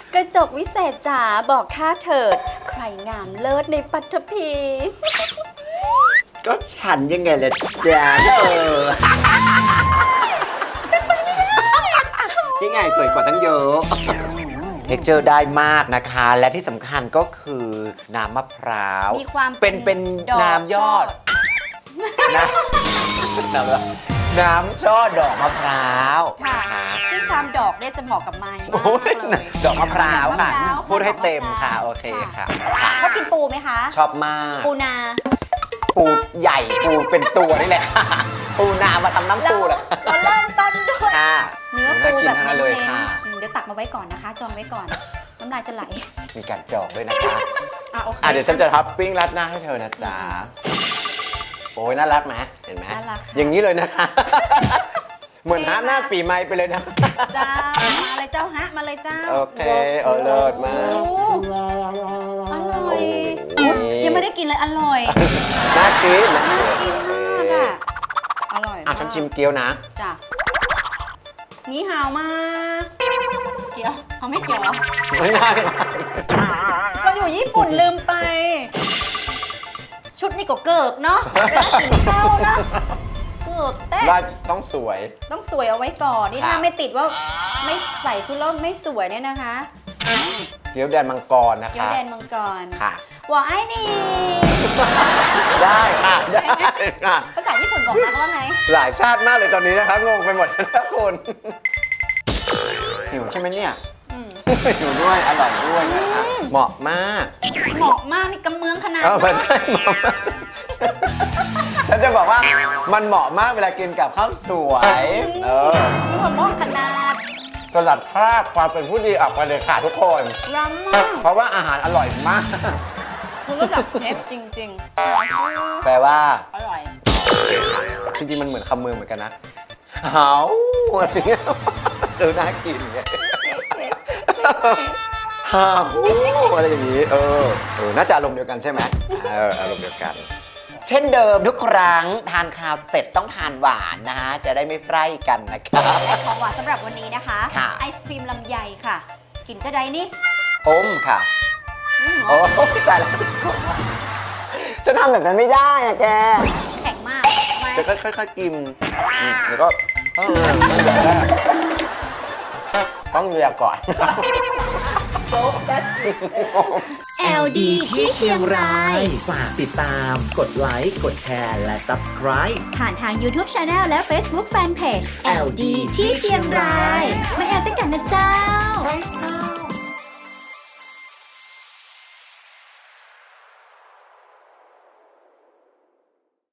กระจกวิเศษจ๋าบอกข้าเถิดใครงามเลิศในปัทภีก็ฉันยังไงล่ะจ๊ะนี่ไงสวยกว่าทั้งเยอะเท็กเจอร์ได้มากนะคะ และที่สำคัญก็คือน้ำมะพร้าวมีความเป็นน้ำยอดน้ำช่อดอกมะพร้าวค่ะนะคะซึ่งความดอกเนี่ยจะเหมาะกับไม้มากโอ้ยเลยดอกมะพร้าวค่ะดอกมะพร้าวพูดให้เต็มค่ะ โอเคค่ะค่ะชอบกินปูไหมคะชอบมากปูนาปูใหญ่ปูเป็นตัวนี่แหละค่ะ ปูนามาทำน้ำปูเหรอเราเริ่มต้นด้วยค่ะเนื้อน่าปูกินแบบทั้งนั้นเลยค่ะเดี๋ยวตักมาไว้ก่อนนะคะ จองไว้ก่อน น้ำลายจะไหลมีการจองด้วยนะคะโอเคเดี๋ยวฉันจะท็อปปิ้งราดหน้าให้เธอนะจ๊ะ โอ้ยน่ารักไหมเห็นไหมน่ารักค่ะอย่างนี้เลยนะคะ เหมือนฮาร์ดหน้าปีใหม่ไปเลยนะจ้ามาเลยเจ้าฮะมาเลยเจ้าโอเคเลิศมากโอ้อร่อยโอ้ยยังไม่ได้กินเลยอร่อยน่ากินนะน่ากินมากอ่ะอร่อยมากฉันชิมเกี๊ยวนะจ้ะนี่หาวมาก เกี่ยวเขาไม่เกี่ยวเหรอไม่ได้เราอยู่ญี่ปุ่นลืมไป ชุดนี่ก็เกิกเนาะเวลากินข้าวนะเกิกเต้ว่าต้องสวยต้องสวยเอาไว้ก่อนนี่ค่ะถ้าไม่ติดว่าไม่ใส่ชุดแล้วไม่สวยเนี่ยนะคะเกี๊ยวแดนมังกรนะเกี๊ยวคะแดนมังกรค่ะหวายนี่ได้ค่ะ ได้ค่ะภาษาญี่ปุ่นบอกนะว่าไงหลายชาติมากเลยตอนนี้นะคะ งงไปหมดแล้วคุณหิวใช่ไหมเนี่ยอืมหิวด้วย อร่อยด้วยนะคะ เหมาะมากเหมาะมากนี่กำเมืองขนาดไม่ใช่เหมาะมากฉันจะบอกว่ามันเหมาะมากเวลากินกับข้าวสวยนี่หัวมอกขนาดสลัดคราบความเป็นผู้ดีออกไปเลยค่ะทุกคนล้ำมากเพราะว่าอาหารอร่อยมากคุณรู้จักเชฟจริงแปลว่าๆ อร่อยจริงๆ มันเหมือนคำเมืองเหมือนกันนะเฮาอะไรเงี้ยน่ากินไงเฮาอะไรอย่างนี้ น่าจะอารมณ์เดียวกันใช่ไหมอารมณ์เดียวกัน เช่นเดิมทุกครั้งทานข้าวเสร็จต้องทานหวานนะฮะ จะได้ไม่ไพร่กันนะครับและของหวานสำหรับวันนี้นะคะค่ะไอศครีมลำไยค่ะ กินจะได้นี่อมค่ะ โอ้ตายแล้วจะทำแบบนั้นไม่ได้อะแกแข็งมากทำไมจะค่อยๆกินแล้วก็ต้องเลียก่อน LD ที่เชียงราย ฝากติดตาม กดไลค์ กดแชร์ และ Subscribe ผ่านทาง YouTube Channel และ Facebook Fanpage LD ที่เชียงราย